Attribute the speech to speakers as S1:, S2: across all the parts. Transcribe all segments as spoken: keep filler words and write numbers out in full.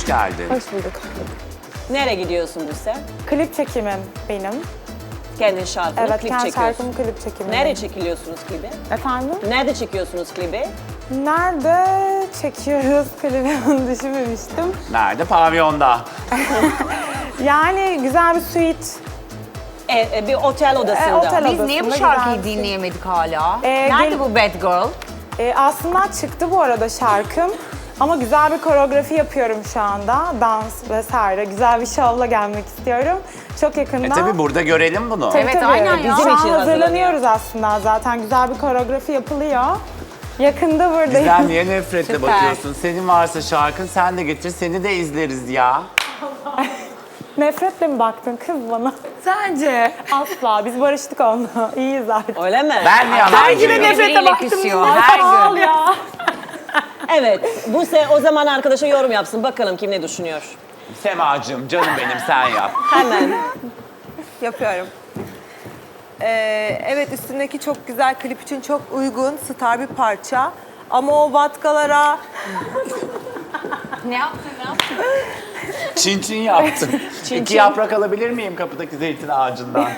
S1: hoş geldin.
S2: Hoş bulduk.
S3: Nereye gidiyorsun Buse?
S2: Klip çekimim benim.
S3: Kendin şarkını
S2: Evet,
S3: klip
S2: kendi
S3: çekiyorsun.
S2: şarkımın klip çekimi.
S3: Nerede çekiliyorsunuz klibi?
S2: Efendim?
S3: Nerede çekiyorsunuz klibi?
S2: Nerede çekiyoruz klibi onu düşünmemiştim.
S1: Nerede? Pavyonda.
S2: Yani güzel bir suite.
S3: E, e, bir otel odasında.
S2: E, otel
S4: Biz niye bu
S2: odasında
S4: şarkıyı
S2: güzel bir-
S4: dinleyemedik hala?
S2: Ee,
S4: Nerede
S2: gel-
S4: bu Bad Girl?
S2: E, aslında çıktı bu arada şarkım. Ama güzel bir koreografi yapıyorum şu anda. Dans vesaire. Güzel bir şovla gelmek istiyorum. Çok yakında.
S1: E tabi burada görelim bunu.
S2: Tabii,
S4: Evet,
S2: tabii.
S4: aynen ya.
S2: Bizim
S3: Bizim
S2: için
S3: için
S2: hazırlanıyoruz aslında zaten. Güzel bir koreografi yapılıyor. Yakında buradayım.
S1: Bizden niye nefretle
S4: Süper.
S1: bakıyorsun? Senin varsa şarkın sen de getir, seni de izleriz ya.
S2: Nefretle mi baktın kız bana?
S4: Sence?
S2: Asla. Biz barıştık onunla. İyiyiz artık.
S3: Öyle mi?
S1: Ben mi
S4: Her
S1: yalancıyım?
S4: gün birbiriyle küsüyor. Her
S2: Sağ ol
S4: gün.
S2: ya.
S3: Evet. Buse o zaman arkadaşa yorum yapsın. Bakalım kim ne düşünüyor.
S1: Semacığım, canım benim, sen yap.
S3: Hemen.
S5: Yapıyorum. Ee, evet üstündeki çok güzel, klip için çok uygun, star bir parça. Ama o vatkalara
S4: Ne yaptın ne yaptın?
S1: Çin çin yaptım. İki yaprak alabilir miyim kapıdaki zeytin ağacından?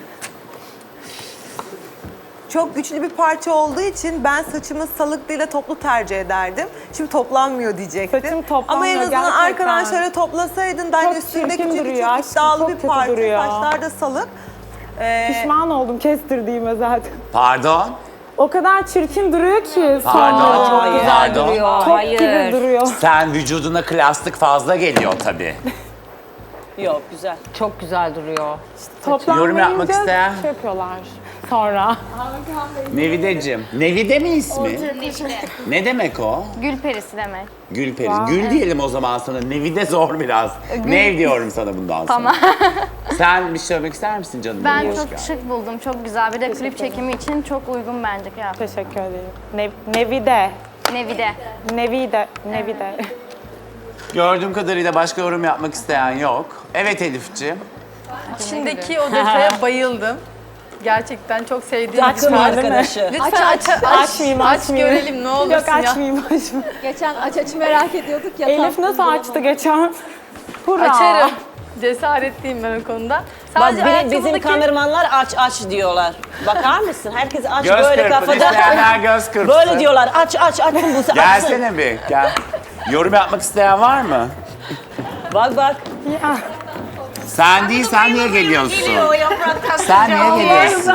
S5: çok güçlü bir parça olduğu için ben saçımı salık değil de toplu tercih ederdim. Şimdi toplanmıyor diyecektim.
S2: Saçım toplanmıyor,
S5: Ama en azından
S2: gerçekten.
S5: arkadan şöyle toplasaydın da
S2: Çok
S5: üstündeki
S2: çirkin
S5: çünkü
S2: duruyor
S5: çok
S2: aşkım,
S5: iddialı
S2: çok
S5: bir
S2: kötü
S5: parça.
S2: duruyor.
S5: Saçlar da salık. Ee,
S2: Pişman oldum kestirdiğime zaten.
S1: Pardon?
S2: O kadar çirkin duruyor ki.
S1: Pardon?
S2: sonra.
S3: Hayır.
S4: Güzel
S1: Pardon?
S4: duruyor.
S2: Top
S4: Hayır.
S2: gibi duruyor.
S1: Sen vücuduna klastik fazla geliyor tabii.
S3: Yok güzel.
S4: Çok güzel duruyor.
S2: Toplanmayınca
S1: Yorum yapmak isteyen?
S2: şey yapıyorlar sonra.
S1: Nevideciğim. Nevide mi ismi? Ne demek o?
S6: Gül perisi demek.
S1: Gülperi. Gül diyelim o zaman sana. Nevide zor biraz. Nev diyorum sana bundan sonra.
S6: Tamam.
S1: Sen bir şey söylemek ister misin canım?
S6: Ben
S1: benim? Hoş
S6: çok
S1: geldin.
S6: şık buldum. Çok güzel. Bir de klip çekimi için çok uygun bence kıyafet.
S2: Teşekkür ederim. Ne, Nevide.
S6: Nevide.
S2: Nevide. Nevide.
S1: Gördüğüm kadarıyla başka yorum yapmak isteyen yok. Evet Elifciğim.
S7: İçindeki o detaya bayıldım. Gerçekten çok sevdiğim bir
S3: Takım
S7: parça.
S3: arkadaşı.
S7: Lütfen aç, aç,
S2: Açmayayım,
S7: aç
S2: açmayayım.
S7: görelim ne olursun
S2: Yok
S7: ya.
S2: açmayayım, açmayayım.
S8: Geçen aç aç merak ediyorduk ya.
S2: Elif nasıl açtı geçen? Hurra.
S7: Açarım. Cesaretliyim ben o konuda.
S3: Bak
S7: Sadece
S3: bir- bizim
S7: ayakkabıdaki-
S3: kameramanlar aç aç diyorlar. Bakar mısın? Herkes aç
S1: Göz
S3: böyle
S1: kırpın.
S3: kafada.
S1: İsteyenler göz kırpsın.
S3: Böyle diyorlar. Aç aç açsın Buse açsın.
S1: Gelsene bir. Gel. Yorum yapmak isteyen var mı?
S3: Bak bak.
S2: Ya.
S1: Sen değil, sen niye geliyorsun?
S4: Geliyor yapraktan.
S1: Sen niye geliyorsun?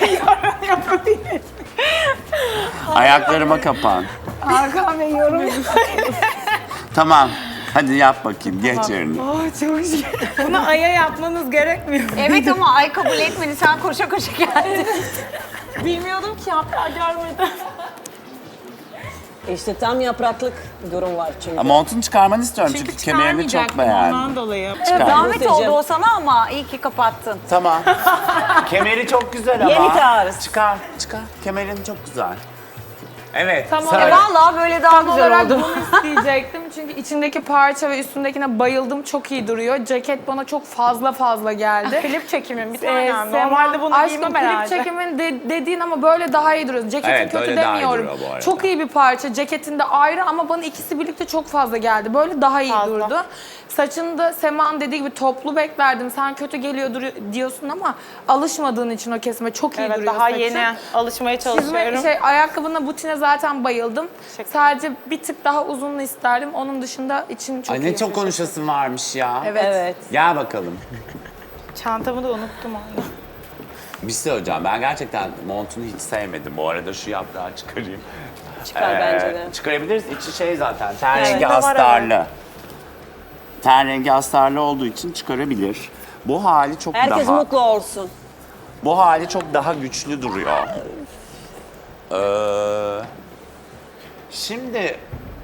S1: Ayaklarıma kapan.
S2: Hakan Bey yorum.
S1: Tamam. Hadi yap bakayım. Geç yerine.
S2: Oh, çok şey. Bunu aya yapmanız gerekmiyor.
S4: Evet ama ay kabul etmedi. Sen koşa koşa geldin.
S2: Bilmiyordum ki hatta görmedim.
S3: İşte tam yapraklık durum var çünkü.
S1: Montunu çıkarmanı istiyorum çünkü, kemerini çok beğendim.
S2: Ondan dolayı.
S1: Çıkar.
S4: Zahmet oldu o sana ama iyi ki kapattın.
S1: Tamam. Kemeri çok güzel ama.
S3: Yeni tarz.
S1: Çıkar, çıkar. Kemerin çok güzel. Evet.
S2: Tamam.
S1: söyle.
S4: E vallahi böyle daha
S7: Tam
S4: güzel
S7: olarak
S4: oldu.
S7: bunu isteyecektim çünkü içindeki parça ve üstündekine bayıldım. Çok iyi duruyor. Ceket bana çok fazla fazla geldi.
S2: Klip çekimim bir
S7: Ee,
S2: tane. Normalde bunu
S7: aşkım,
S2: giymem
S7: klip
S2: herhalde.
S7: çekimin de- dediğin ama böyle daha iyi duruyor. Ceketin
S1: Evet,
S7: kötü
S1: böyle daha iyi
S7: demiyorum.
S1: duruyor bu arada.
S7: Çok iyi bir parça. Ceketinde ayrı ama bana ikisi birlikte çok fazla geldi. Böyle daha iyi
S2: Fazla.
S7: durdu. Saçında Sema'nın dediği gibi toplu beklerdim. Sen kötü geliyor duru- diyorsun ama alışmadığın için o kesime çok iyi
S2: Evet
S7: duruyor
S2: daha
S7: saçın.
S2: yeni alışmaya
S7: Çizme,
S2: çalışıyorum.
S7: şey, ayakkabına, butine zaten bayıldım.
S2: Teşekkür
S7: Sadece bir tık daha uzunlu isterdim. Onun dışında için çok
S1: Ay
S7: iyi.
S1: ne çok konuşasın varmış ya.
S7: Evet.
S3: Evet.
S1: Gel bakalım.
S2: Çantamı da unuttum onu.
S1: Bir şey söyleyeceğim. Ben gerçekten montunu hiç sevmedim. Bu arada şu yaprağı çıkarayım.
S3: Çıkar
S1: Ee,
S3: bence de.
S1: Çıkarabiliriz. İçi şey zaten. Ten
S2: Evet.
S1: rengi
S2: Var,
S1: astarlı. Ten rengi astarlı olduğu için çıkarabilir. Bu hali çok
S3: Herkes
S1: daha...
S3: mutlu olsun.
S1: Bu hali çok daha güçlü duruyor. Ee, şimdi...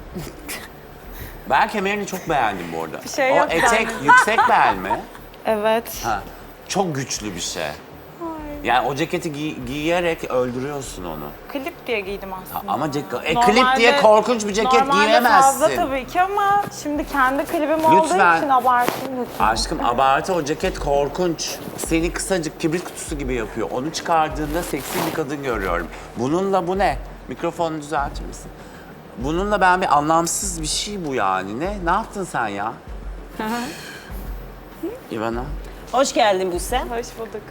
S1: Ben kemerini çok beğendim bu arada.
S2: şey
S1: o
S2: yok
S1: etek yüksek bel mi?
S2: Evet.
S1: Ha, çok güçlü bir şey. Yani o ceketi giy- giyerek öldürüyorsun onu.
S2: Klip diye giydim aslında.
S1: Ama cek e,
S2: Normalde-
S1: klip diye korkunç bir ceket
S2: Normalde
S1: giyemezsin.
S2: fazla tabii ki ama şimdi kendi klibim olduğu
S1: Lütfen.
S2: için abartayım lütfen.
S1: Aşkım abartı, o ceket korkunç. Seni kısacık kibrit kutusu gibi yapıyor. Onu çıkardığında seksi bir kadın görüyorum. Bununla bu ne? Mikrofonu düzeltir misin? Bununla ben bir anlamsız bir şey bu yani. Ne? Ne yaptın sen ya? İvana.
S3: Hoş geldin Buse.
S2: Hoş bulduk.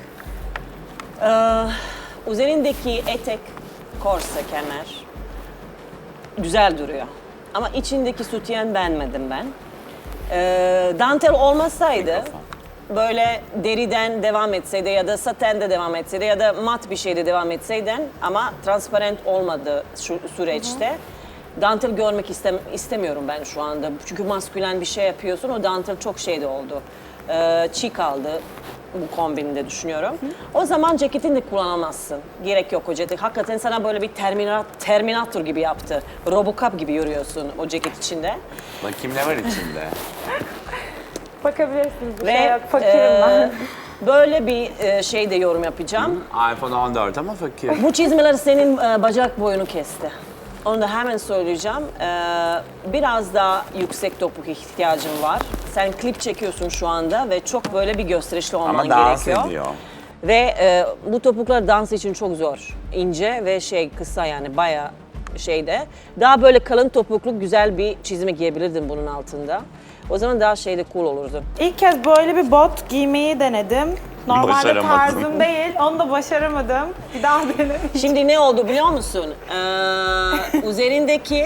S3: Ee, üzerindeki etek, korse, kemer güzel duruyor. Ama içindeki sütyen beğenmedim ben. Ee, dantel olmasaydı, böyle deriden devam etseydi ya da satende devam etseydi ya da mat bir şeyde devam etseydin ama transparent olmadı şu süreçte. Dantel görmek istem istemiyorum ben şu anda. Çünkü maskülen bir şey yapıyorsun, o dantel çok şeyde oldu. Ee, çiğ kaldı bu kombinde düşünüyorum. O zaman ceketini de kullanamazsın. Gerek yok o ceket. Hakikaten sana böyle bir termina Terminator gibi yaptı. Robocop gibi yürüyorsun o ceket içinde.
S1: Bakayım ne var içinde?
S2: Bakabilirsiniz, bir
S3: Ve
S2: şey yok. Fakirim
S3: e,
S2: ben.
S3: böyle bir e, şey de yorum yapacağım.
S1: iPhone on dört ama fakir.
S3: Bu çizmeler senin e, bacak boyunu kesti. Onu da hemen söyleyeceğim. Ee, biraz daha yüksek topuk ihtiyacın var. Sen klip çekiyorsun şu anda ve çok böyle bir gösterişli olman
S1: Ama dans
S3: gerekiyor.
S1: ediyor.
S3: Ve e, bu topuklar dans için çok zor. İnce ve şey kısa yani bayağı şeyde. Daha böyle kalın topuklu güzel bir çizme giyebilirdin bunun altında. O zaman daha şeyde cool olurdu.
S2: İlk kez böyle bir bot giymeyi denedim. Normalde
S1: Başaramadım.
S2: tarzım değil, onu da başaramadım. Bir daha denedim.
S3: Şimdi ne oldu biliyor musun? Ee, üzerindeki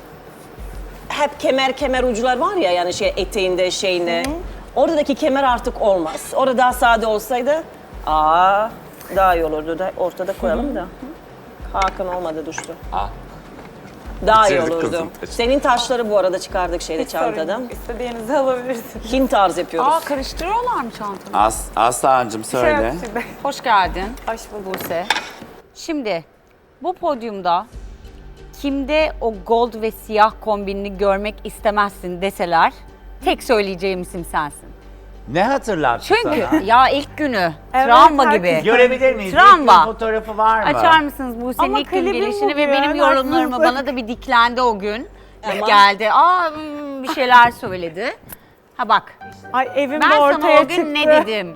S3: hep kemer kemer ucular var ya yani şey eteğinde şeyinde. Oradaki kemer artık olmaz. Orada daha sade olsaydı aa daha iyi olurdu da ortada koyalım da. Hakan olmadı düştü.
S1: Ah.
S3: Daha iyi
S1: Çizdik
S3: olurdu.
S1: kızım.
S3: Senin taşları bu arada çıkardık şeyde
S2: Hiç sorun
S3: çantadan.
S2: yok. İstediğinizi alabilirsiniz.
S3: Hint tarz yapıyoruz.
S4: Aa karıştırıyorlar mı çantanı?
S1: As Aslancığım
S2: Şey
S1: söyle.
S2: yok şimdi.
S4: Hoş geldin
S2: Hoş bulduk.
S4: Buse. Şimdi bu podyumda kimde o gold ve siyah kombinini görmek istemezsin deseler tek söyleyeceğim isim sensin.
S1: Ne hatırlattı
S4: Çünkü
S1: sana?
S4: ya ilk günü
S2: Evet,
S4: travma
S2: herkes-
S4: gibi.
S1: Görebilir miyiz?
S4: Travma.
S1: İlk gün fotoğrafı var mı?
S4: Açar mısınız Buse'nin
S2: Ama
S4: ilk gün
S2: klibim
S4: gelişini ve
S2: bugün,
S4: benim yorumlarımı
S2: haklısın.
S4: bana da bir diklendi o gün.
S3: Ama-
S4: Geldi. Aa hmm, bir şeyler söyledi. Ha bak
S2: Ay evim
S4: ben
S2: de
S4: sana
S2: ortaya
S4: o gün
S2: çıktı.
S4: ne dedim?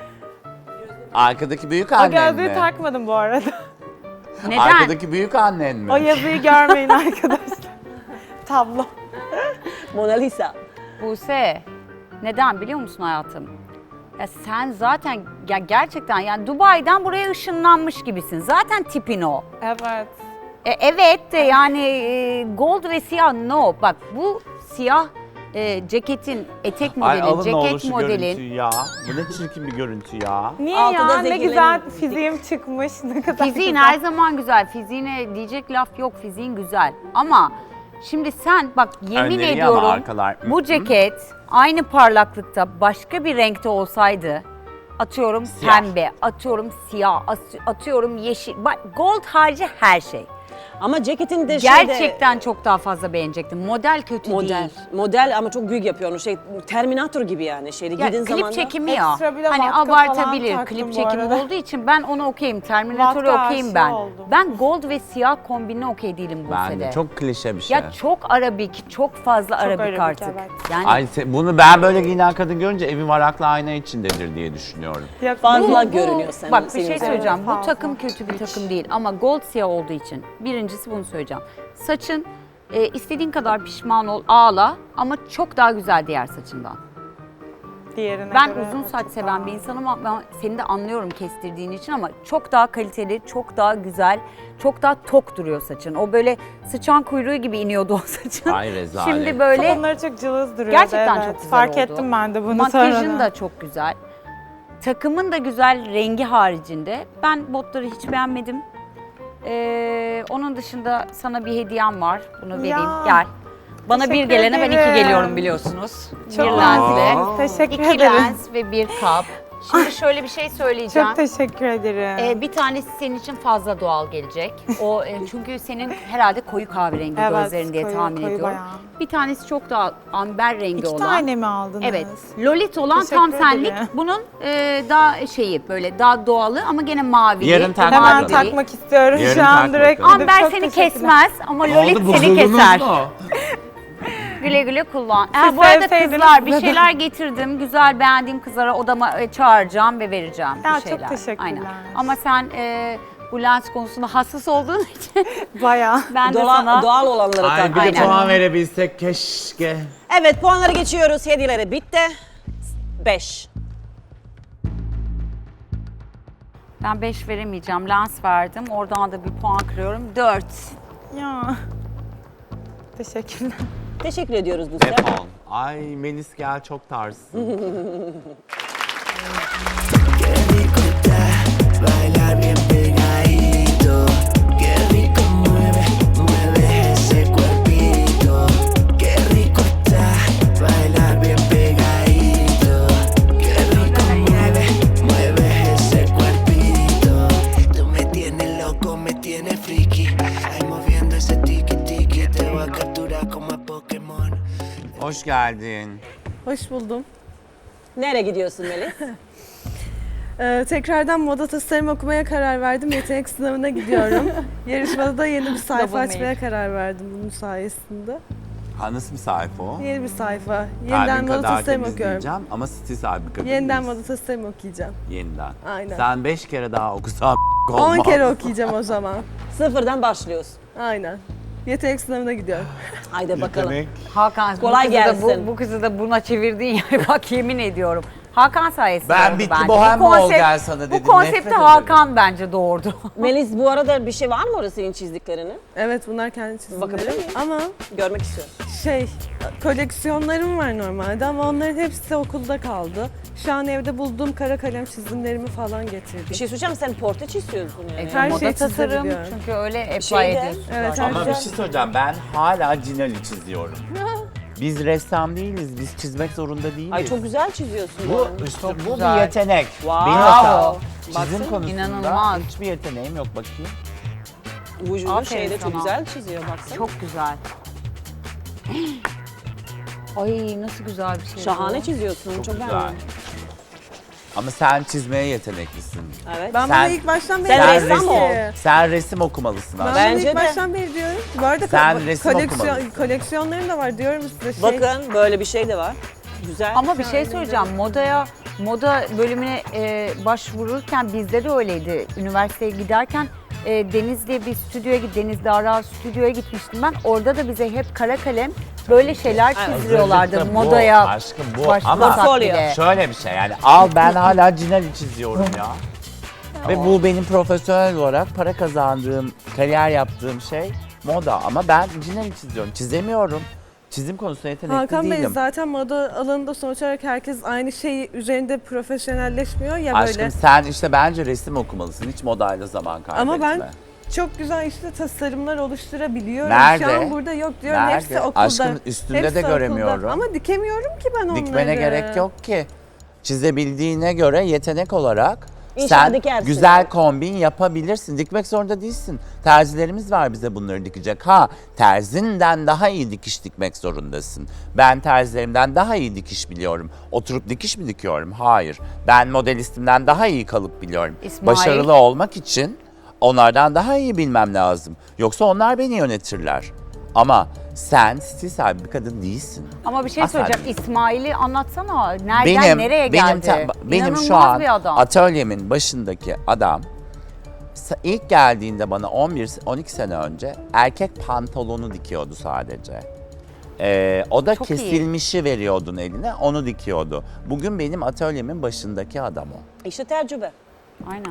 S1: Arkadaki büyük
S2: O
S1: annen
S2: gözlüğü
S1: mi?
S2: takmadım bu arada.
S4: Neden?
S1: Arkadaki büyük annen mi?
S2: O yazıyı görmeyin arkadaşlar. Tablo.
S3: Mona Lisa.
S4: Buse, neden biliyor musun hayatım? Ya sen zaten ya gerçekten yani Dubai'den buraya ışınlanmış gibisin. Zaten tipin o.
S2: Evet.
S4: E, evet de yani e, gold ve siyah no. Bak bu siyah e, ceketin etek
S1: Ay
S4: modeli,
S1: alın ne olur
S4: ceket
S1: şu
S4: modelin.
S1: görüntüyü ya. Bu ne çirkin bir görüntü ya.
S2: Niye
S3: Altında
S2: ya? Ne
S3: zenginlerin-
S2: güzel fiziğim çıkmış. Ne kadar
S4: Fiziğin
S2: güzel.
S4: her zaman güzel. Fiziğine diyecek laf yok. Fiziğin güzel. Ama şimdi sen bak yemin
S1: Önleri ama
S4: ediyorum
S1: arkalar.
S4: bu ceket aynı parlaklıkta başka bir renkte olsaydı atıyorum
S1: Siyah.
S4: pembe, atıyorum siyah, as- atıyorum yeşil. Bak gold harici her şey.
S3: Ama ceketin de şeyde...
S4: Gerçekten çok daha fazla beğenecektim. Model kötü
S3: Model.
S4: değil.
S3: Model ama çok büyük yapıyor onu. Şey Terminator gibi yani. Şeyde
S4: Ya,
S3: giydiğin
S4: klip
S3: zaman da-
S4: çekimi ya.
S2: Ekstra bir de
S4: Hani
S2: vatka
S4: abartabilir.
S2: falan taktım
S4: Klip
S2: bu
S4: çekimi
S2: arada.
S4: olduğu için ben onu okeyim. Terminator'u
S2: Vatka
S4: okeyim
S2: aşığı
S4: ben.
S2: oldum.
S4: Ben gold ve siyah kombinine okey değilim bu
S1: Ben
S4: sene.
S1: de çok klişe bir şey.
S4: Ya çok arabik, çok fazla arabik,
S2: arabik,
S4: artık.
S2: evet.
S4: Yani
S1: Ay se- bunu ben böyle giyinen kadın görünce evi varaklı ayna içindedir diye düşünüyorum.
S2: Yok,
S3: Fazla
S2: bu-
S3: görünüyor senin.
S4: bak bir
S3: senin
S4: şey
S3: üzerinde.
S4: söyleyeceğim. Bu
S2: Fazla.
S4: takım kötü bir takım değil ama gold siyah olduğu için birincisi bunu söyleyeceğim. Saçın e, istediğin kadar pişman ol, ağla ama çok daha güzel diğer saçından.
S2: Diğerine
S4: Ben
S2: göre
S4: uzun
S2: çok
S4: saç
S2: daha-
S4: seven bir insanım ama ben seni de anlıyorum kestirdiğin için ama çok daha kaliteli, çok daha güzel, çok daha tok duruyor saçın. O böyle sıçan kuyruğu gibi iniyordu o saçın.
S1: Ay rezalet.
S4: Şimdi böyle
S2: Onları çok cılız duruyordu.
S4: gerçekten
S2: evet.
S4: çok güzel
S2: Fark
S4: oldu.
S2: ettim ben de bunu
S4: Makyajın
S2: sonradan.
S4: da çok güzel. Takımın da güzel rengi haricinde. Ben botları hiç beğenmedim. Ee, onun dışında sana bir hediyem var. Bunu vereyim.
S2: Ya,
S4: Gel. Bana bir
S2: teşekkür
S4: gelene ben iki
S2: ederim.
S4: geliyorum biliyorsunuz.
S2: Çok
S4: bir lensle.
S2: naziksiniz. Teşekkür
S4: İki
S2: ederim.
S4: lens ve bir kap. Şimdi şöyle bir şey söyleyeceğim.
S2: Çok teşekkür ederim.
S4: Ee, bir tanesi senin için fazla doğal gelecek. O e, çünkü senin herhalde koyu kahverengi
S2: Evet,
S4: gözlerin diye
S2: koyu-
S4: tahmin
S2: koyu
S4: ediyorum.
S2: bayağı.
S4: Bir tanesi çok daha amber rengi
S2: İki
S4: olan.
S2: tane mi aldınız?
S4: Evet. Lolit olan
S2: Teşekkür
S4: tam senlik.
S2: ederim.
S4: Bunun e, daha şeyi böyle daha doğalı ama gene mavili.
S1: Yarın tak
S2: Hemen
S1: bakalım.
S4: Mavili.
S2: takmak istiyorum
S1: Yarın
S2: şu an
S1: tak
S2: direkt.
S1: bakalım.
S2: gidip.
S4: Amber
S2: Çok
S4: seni
S2: teşekkürler.
S4: kesmez ama Lolit
S1: Oldu,
S4: seni
S1: bozuldunuz
S4: keser.
S1: mu?
S4: Güle güle kullan.
S2: Siz
S4: Ha, bu arada
S2: sevseydiniz
S4: kızlar bir
S2: size de.
S4: şeyler getirdim. Güzel beğendiğim kızlara odama e, çağıracağım ve vereceğim
S2: Ya,
S4: bir
S2: çok
S4: şeyler.
S2: teşekkürler.
S4: Aynen. Ama sen e, bu lens konusunda hassas olduğun için
S2: Bayağı.
S4: ben de
S3: Dola-
S4: sana
S3: Doğal olanları
S1: Ay
S3: tak.
S1: bir de
S4: Aynen.
S1: puan verebilsek keşke.
S3: Evet, puanları geçiyoruz. Hediyeleri bitti. beş.
S4: ben beş veremeyeceğim. Lens verdim. Oradan da bir puan kırıyorum. dört.
S2: Ya. Teşekkürler.
S3: Teşekkür ediyoruz Buse.
S1: Defol. Ay Melis gel çok tarzsın.
S9: Bailar bien pegadito, qué rico mueve, mueve ese cuerpito, qué rico está. Bailar bien pegadito, qué rico mueve, mueve ese cuerpito. Tú me tienes loco, me tienes friki, ahí moviendo ese tiki tiki, te voy a capturar como a Pokémon.
S1: Hoş geldin.
S5: Hoş buldum.
S3: Nereye gidiyorsun Melis?
S5: Ee, tekrardan moda tasarım okumaya karar verdim. Yetenek sınavına gidiyorum. Yarışmada da yeni bir sayfa
S4: Double
S5: açmaya
S4: make.
S5: karar verdim bunun sayesinde.
S1: Ha nasıl bir sayfa o?
S5: Yeni bir sayfa. Yeniden
S1: Kalbin
S5: moda
S1: kadar
S5: tasarım
S1: temiz
S5: okuyorum.
S1: diyeceğim ama stil sahibi kadın
S5: Yeniden
S1: değiliz.
S5: moda tasarım okuyacağım.
S1: Yeniden.
S5: Aynen.
S1: Sen beş kere daha okusan olmaz.
S5: on kere okuyacağım o zaman.
S3: Sıfırdan başlıyoruz.
S5: Aynen. Yetenek sınavına gidiyorum.
S3: Haydi bakalım.
S1: Demek
S4: Hakan
S3: Kolay
S4: bu kızı da
S3: gelsin.
S4: bu, bu kızı da buna çevirdin ya bak yemin ediyorum. Hakan sayesinde
S1: Ben
S4: oldu
S1: bitti,
S4: bence.
S1: bohem
S4: Bu
S1: mi ol
S4: konsept-
S1: gel sana dedim,
S4: Bu konsepti
S1: nefret ederim.
S4: Hakan bence doğurdu.
S3: Melis, bu arada bir şey var mı orada senin çizdiklerini?
S5: Evet bunlar kendi
S3: Bakabilir
S5: çizimlerim.
S3: miyim?
S5: Ama
S3: Görmek istiyorum.
S5: şey koleksiyonlarım var normalde ama onların hepsi okulda kaldı. Şu an evde bulduğum kara kalem çizimlerimi falan getirdim.
S3: Bir şey söyleyeceğim, sen portre çiziyorsun yani.
S5: Her
S4: Moda
S5: şeyi
S4: tasarım
S5: çizebiliyorum.
S4: çünkü öyle apply
S3: Şeyde-
S4: ediyorsun.
S5: Evet,
S4: zaten.
S1: ama bir şey söyleyeceğim. Ben hala Cinali çiziyorum. Biz ressam değiliz. Biz çizmek zorunda değiliz.
S3: Ay çok güzel çiziyorsun. bu
S1: Bu,
S3: arada.
S1: üstü, bu
S4: güzel.
S1: bir yetenek.
S3: Wow.
S1: Benim mesela
S3: Baksana,
S1: çizim konusunda
S4: inanılmaz.
S1: hiçbir yeteneğim yok bakayım.
S3: Vücudu
S4: Aferin
S3: şeyde çok
S4: sana.
S3: güzel çiziyor baksana.
S4: Çok güzel. Ay nasıl güzel bir şey.
S3: Şahane
S4: bu.
S3: çiziyorsun. Çok,
S1: Çok güzel.
S3: beğendim.
S1: Ama sen çizmeye yeteneklisin.
S3: Evet.
S5: Ben
S1: Sen-
S5: bunu ilk baştan beri
S3: Sen
S5: diyorum
S3: ressam
S5: ki-
S3: ol.
S1: Sen resim okumalısın
S5: Ben
S1: aslında.
S3: Bence
S5: bunu ilk
S3: de.
S5: baştan beri diyorum. Bu arada
S1: Sen
S5: ko-
S1: resim
S5: koleksiyon,
S1: okumalısın.
S5: koleksiyonlarım da var diyorum size. Şey,
S3: Bakın böyle bir şey de var. Güzel.
S4: Ama bir şey söyleyeceğim. Modaya, moda bölümüne e, başvururken bizde de öyleydi. Üniversiteye giderken e, Denizli'ye bir stüdyoya git, Denizli Ara stüdyoya gitmiştim ben. Orada da bize hep kara kalem böyle şeyler çizdiriyorlardı
S1: Hazırlıkta bu,
S4: modaya.
S1: aşkım bu.
S4: başvursak
S1: Ama
S4: bile.
S1: şöyle bir şey yani al ben hala Cinali çiziyorum ya. Ve bu benim profesyonel olarak para kazandığım, kariyer yaptığım şey moda. Ama ben Cinali çiziyorum. Çizemiyorum. Çizim konusunda yetenekli
S5: Hakan Bey
S1: değilim.
S5: zaten moda alanında sonuç olarak herkes aynı şeyi üzerinde profesyonelleşmiyor ya
S1: Aşkım
S5: böyle.
S1: sen işte bence resim okumalısın. Hiç modayla zaman kaybetme.
S5: Ama ben çok güzel işte tasarımlar oluşturabiliyorum.
S1: Nerede?
S5: Şu an burada yok diyorum.
S1: Nerede?
S5: Hepsi okulda.
S1: Aşkım üstünde
S5: Hepsi
S1: de
S5: okulda.
S1: göremiyorum.
S5: Ama dikemiyorum ki ben onları.
S1: Dikmene gerek yok ki. Çizebildiğine göre yetenek olarak
S3: İnşallah
S1: sen
S3: dikersin.
S1: güzel kombin yapabilirsin. Dikmek zorunda değilsin. Terzilerimiz var bize bunları dikecek. Ha terzinden daha iyi dikiş dikmek zorundasın. Ben terzilerimden daha iyi dikiş biliyorum. Oturup dikiş mi dikiyorum? Hayır. Ben modelistimden daha iyi kalıp biliyorum.
S4: İsmail.
S1: Başarılı olmak için onlardan daha iyi bilmem lazım. Yoksa onlar beni yönetirler. Ama sen stil sahibi bir kadın değilsin.
S4: Ama bir şey
S1: Asla
S4: söyleyeceğim. İsmail'i anlatsana. Nereden
S1: Benim
S4: nereye
S1: benim
S4: geldi?
S1: te- benim
S4: İnanılmaz
S1: şu an
S4: bir adam.
S1: atölyemin başındaki adam sa- ilk geldiğinde bana on bir on iki sene önce erkek pantolonu dikiyordu sadece. Ee, o da
S4: Çok iyi.
S1: kesilmişi veriyordun eline, onu dikiyordu. Bugün benim atölyemin başındaki adam o.
S3: İşte tecrübe.
S4: Aynen.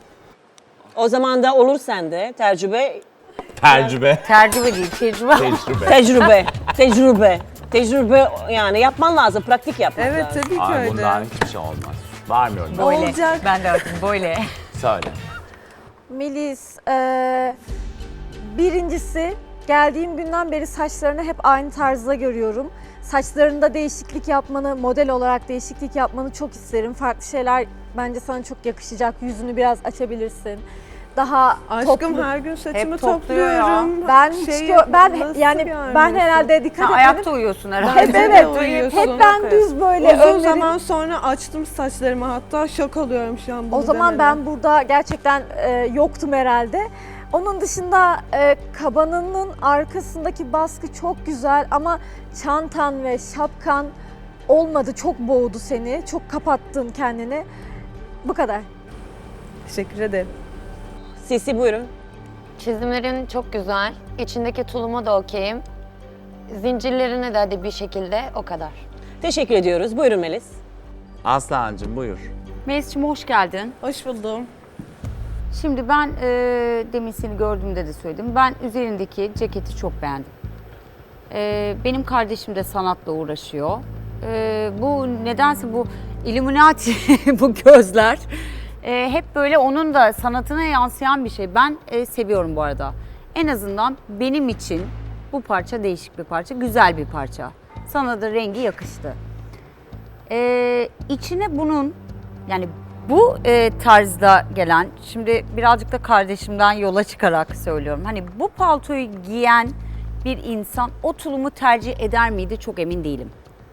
S3: O zaman da olur sende tecrübe,
S1: Tecrübe.
S4: Tercüme değil, tecrübe.
S1: Tecrübe.
S3: tecrübe, tecrübe, tecrübe yani yapman lazım, pratik yapman
S5: Evet
S3: lazım.
S5: tabii ki
S1: Ay
S5: öyle.
S1: bundan hiçbir şey olmaz. Varmıyorum.
S4: Böyle.
S5: Olacak.
S4: Ben de artık böyle.
S1: Söyle.
S8: Melis, eee, birincisi geldiğim günden beri saçlarını hep aynı tarzda görüyorum. Saçlarında değişiklik yapmanı, model olarak değişiklik yapmanı çok isterim. Farklı şeyler bence sana çok yakışacak. Yüzünü biraz açabilirsin. Daha
S5: Aşkım
S8: toplu.
S5: her gün saçımı
S4: Hep topluyor ya.
S5: topluyorum.
S8: Ben hiç
S5: Şey
S8: gö- ben
S5: nasıl
S8: yani
S5: bir
S8: ben
S5: ailesi?
S8: herhalde dikkat
S4: Sen
S8: etmedim.
S4: ayakta uyuyorsun herhalde.
S8: Hep
S5: Bence de
S8: evet.
S5: uyuyorsun.
S8: Hep ben düz böyle
S5: Uzun
S8: önlerim-
S5: zaman sonra açtım saçlarımı hatta şok oluyorum şu an bunu
S8: O zaman
S5: demene.
S8: ben burada gerçekten e, yoktum herhalde. Onun dışında e, kabanının arkasındaki baskı çok güzel ama çantan ve şapkan olmadı. Çok boğdu seni. Çok kapattın kendini. Bu kadar.
S5: Teşekkür ederim.
S3: Sisi buyurun.
S10: Çizimlerin çok güzel. İçindeki tuluma da okeyim. Zincirlerine de hadi bir şekilde o kadar.
S3: Teşekkür ediyoruz. Buyurun Melis.
S1: Aslancığım buyur.
S4: Melis'ciğim hoş geldin.
S5: Hoş buldum.
S4: Şimdi ben e, demin seni gördüğümde de söyledim. Ben üzerindeki ceketi çok beğendim. E, benim kardeşim de sanatla uğraşıyor. E, bu nedense bu Illuminati, bu gözler e, hep böyle onun da sanatına yansıyan bir şey. Ben e, seviyorum bu arada. En azından benim için bu parça değişik bir parça, güzel bir parça. Sana da rengi yakıştı. E, içine bunun, yani bu e, tarzda gelen, şimdi birazcık da kardeşimden yola çıkarak söylüyorum. Hani bu paltoyu giyen bir insan o tulumu tercih eder miydi çok emin değilim.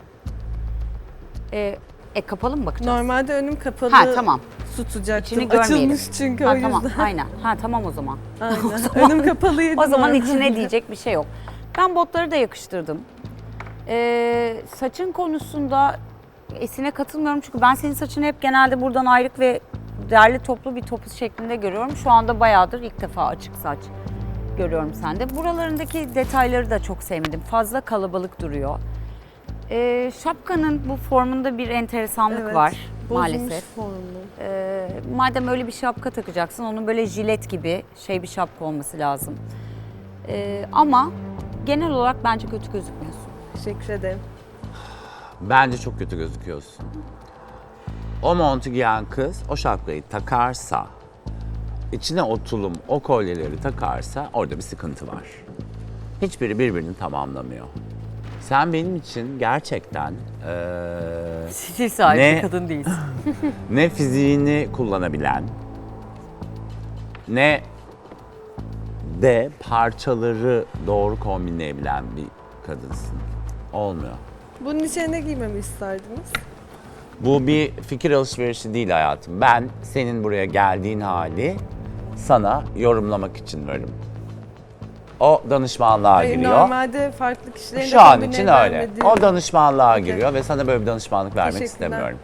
S4: E, e kapalı mı bakacağız?
S5: Normalde önüm kapalı.
S4: Ha tamam.
S5: Tutacaktım.
S4: İçini görmeyelim.
S5: Açılmış çünkü
S4: Ha,
S5: o yüzden.
S4: tamam, aynen. Ha tamam o zaman.
S5: Aynen. Önüm kapalıydı.
S4: O zaman
S5: normalde.
S4: içine diyecek bir şey yok. Ben botları da yakıştırdım. Ee, saçın konusunda Esin'e katılmıyorum çünkü ben senin saçını hep genelde buradan ayrık ve derli toplu bir topuz şeklinde görüyorum. Şu anda bayağıdır ilk defa açık saç görüyorum sende. Buralarındaki detayları da çok sevmedim. Fazla kalabalık duruyor. Ee, şapkanın bu formunda bir enteresanlık
S5: Evet,
S4: var
S5: bozulmuş
S4: maalesef.
S5: formu.
S4: Ee, madem öyle bir şapka takacaksın, onun böyle jilet gibi şey bir şapka olması lazım. Ee, ama genel olarak bence kötü gözükmüyorsun.
S5: Teşekkür ederim.
S1: Bence çok kötü gözüküyorsun. O montu giyen kız o şapkayı takarsa, içine o tulum, o kolyeleri takarsa orada bir sıkıntı var. Hiçbiri birbirini tamamlamıyor. Sen benim için gerçekten eee,
S4: Stil sahibi
S1: Ne?
S4: bir kadın değilsin.
S1: ne fiziğini kullanabilen, ne de parçaları doğru kombinleyebilen bir kadınsın. Olmuyor.
S5: Bunun içine ne giymemi isterdiniz?
S1: Bu bir fikir alışverişi değil hayatım. Ben senin buraya geldiğin hali sana yorumlamak için varım. O danışmanlığa
S5: Hayır,
S1: giriyor.
S5: normalde farklı kişilerin de
S1: Şu an
S5: kombine
S1: için öyle.
S5: vermediği-
S1: O danışmanlığa
S5: Okey.
S1: giriyor ve sana böyle bir danışmanlık vermek
S5: Teşekkürler.
S1: istemiyorum.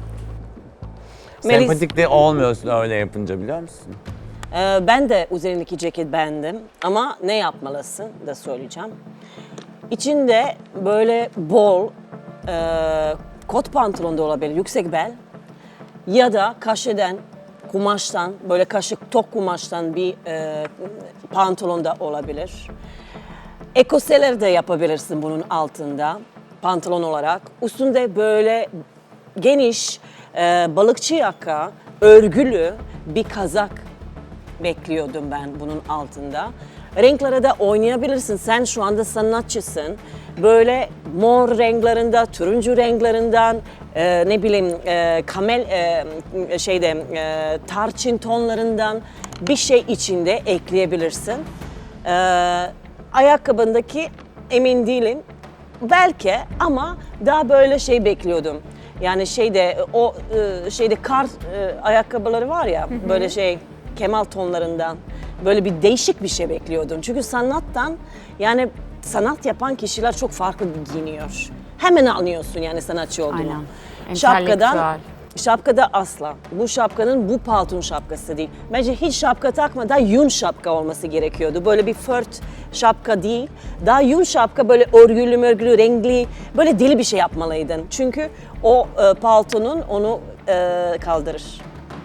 S3: Melis-
S1: Sempatik de olmuyorsun öyle yapınca biliyor musun?
S3: Ee, ben de üzerindeki ceket beğendim ama ne yapmalısın da söyleyeceğim. İçinde böyle bol e, kot pantolon da olabilir, yüksek bel ya da kaşeden, kumaştan, böyle kaşık tok kumaştan bir e, pantolon da olabilir. Ekoseler de yapabilirsin bunun altında pantolon olarak. Üstünde böyle geniş e, balıkçı yaka, örgülü bir kazak bekliyordum ben bunun altında. Renklere de oynayabilirsin. Sen şu anda sanatçısın. Böyle mor renklerinde, turuncu renklerinden, e, ne bileyim e, kamel e, şeyde e, tarçın tonlarından bir şey içinde ekleyebilirsin. E, ayakkabındaki emin değilim. Belki ama daha böyle şey bekliyordum. Yani şeyde o e, şeyde kar e, ayakkabıları var ya böyle şey kemal tonlarından böyle bir değişik bir şey bekliyordum. Çünkü sanattan yani sanat yapan kişiler çok farklı giyiniyor. Hemen anlıyorsun yani sanatçı olduğunu.
S4: Aynen.
S3: Şapkadan
S4: Entelektüel.
S3: şapkada asla. Bu şapkanın bu palton şapkası değil. Bence hiç şapka takma, daha yün şapka olması gerekiyordu. Böyle bir fört şapka değil. Daha yün şapka böyle örgülü mörgülü, renkli, böyle deli bir şey yapmalıydın. Çünkü o e, paltonun onu e, kaldırır.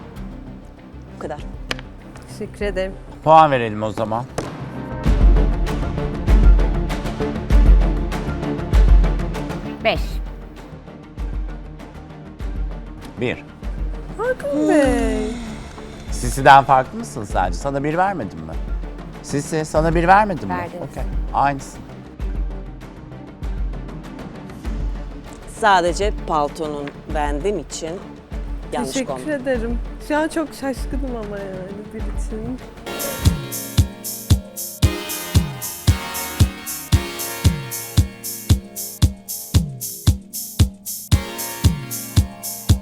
S3: Bu kadar.
S5: Teşekkür ederim.
S1: Puan verelim o zaman.
S4: Beş.
S1: Bir.
S5: Hakan Bey.
S1: Sisi'den farklı mısın sence? Sana bir vermedim mi? Sisi sana bir vermedim mi?
S4: Verdim.
S1: Okey. Aynısın.
S3: Sadece paltonun beğendiğim için yanlış
S5: Teşekkür
S3: kombin.
S5: ederim. Şu an çok şaşkınım ama yani bir için.